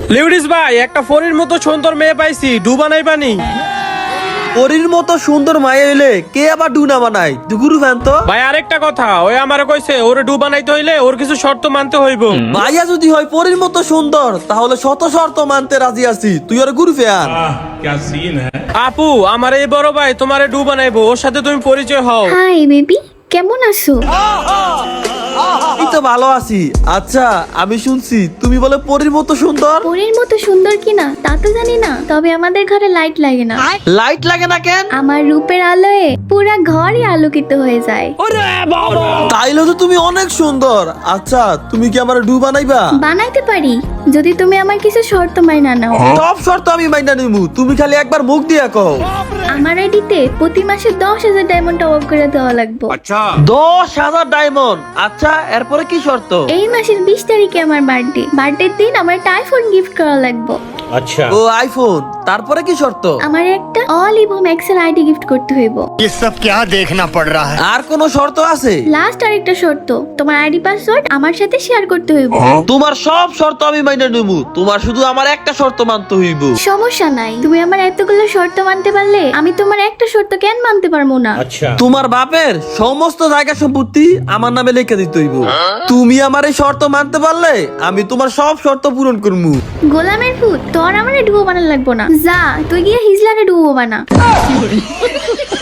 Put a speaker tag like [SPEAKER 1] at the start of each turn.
[SPEAKER 1] লিউডিস ভাই, একটা ফরির মতো সুন্দর মেয়ে পাইছি, ডু বানাইবানি?
[SPEAKER 2] পরীর মতো সুন্দর মায়া হইলে কে আবার ডু না বানায়? দুগুরু ফ্যান তো।
[SPEAKER 1] ভাই আরেকটা কথা, ওই আমারে কইছে ওরে ডু বানাইতে হইলে ওর কিছু শর্ত মানতে হইব।
[SPEAKER 2] মাইয়া যদি হয় পরীর মতো সুন্দর তাহলে শত শর্ত মানতে রাজি আছি। তুই ওর গুরু ফ্যান।
[SPEAKER 3] क्या सीन है।
[SPEAKER 1] আপু, আমার এই বড় ভাই তোমারে ডু বানাইবো, ওর সাথে তুমি পরিচয় হও।
[SPEAKER 4] হাই বেবি, কেমন আছো?
[SPEAKER 2] এই তো ভালো আছি। আচ্ছা, আমি শুনছি তুমি বলে পরীর মতো সুন্দর।
[SPEAKER 4] পরীর মতো সুন্দর কিনা তা তো জানি না, তবে আমাদের ঘরে লাইট লাগে না।
[SPEAKER 2] লাইট লাগে না কেন?
[SPEAKER 4] আমার রূপের আলোয় পুরা ঘরই আলোকিত হয়ে যায়।
[SPEAKER 2] তাইলে তো তুমি অনেক সুন্দর। আচ্ছা, তুমি কি আমার ডু বানাইবা?
[SPEAKER 4] বানাইতে পারি যদি তুমি আমার কিছু শর্ত মাইনা নাও।
[SPEAKER 2] সব শর্ত আমি মাইনা নিমু, তুমি খালি একবার মুখ দিয়া কও।
[SPEAKER 4] আমার আইডিতে প্রতি মাসে 10,000 ডায়মন্ড টপ আপ করে দেওয়া লাগবে।
[SPEAKER 2] 10,000 ডায়মন্ড। আচ্ছা, এরপরে কি শর্ত?
[SPEAKER 4] এই মাসের 20 তারিখে আমার বার্থডের দিন আমার একটা আইফোন গিফট করা লাগবে।
[SPEAKER 2] ও আইফোন। তারপরে কি শর্ত?
[SPEAKER 4] আমার একটা অলিভ ম্যাক্সের আইডি গিফট করতে হইব।
[SPEAKER 5] ये सब क्या देखना पड़ रहा है।
[SPEAKER 2] আর কোন শর্ত আছে?
[SPEAKER 4] লাস্ট আরেকটা শর্ত, তোমার আইডি পাসওয়ার্ড আমার সাথে শেয়ার করতে হইব।
[SPEAKER 2] তোমার সব শর্ত আমি মাইনা নিমু, তোমার শুধু আমার একটা শর্ত মানতে হইব।
[SPEAKER 4] সমস্যা নাই, তুমি আমার এতগুলো শর্ত মানতে পারলে আমি তোমার একটা শর্ত কেন মানতে পারবো না?
[SPEAKER 2] তোমার বাপের সমস্ত জায়গা সম্পত্তি আমার নামে লিখে দিতে হইব। তুমি আমার এই শর্ত মানতে পারলে আমি তোমার সব শর্ত পূরণ করবো।
[SPEAKER 4] গোলামের পুত, তোর আমার ডুবো বানান লাগবো না, যা তুই গিয়ে হিজলারে ডুবো বানা।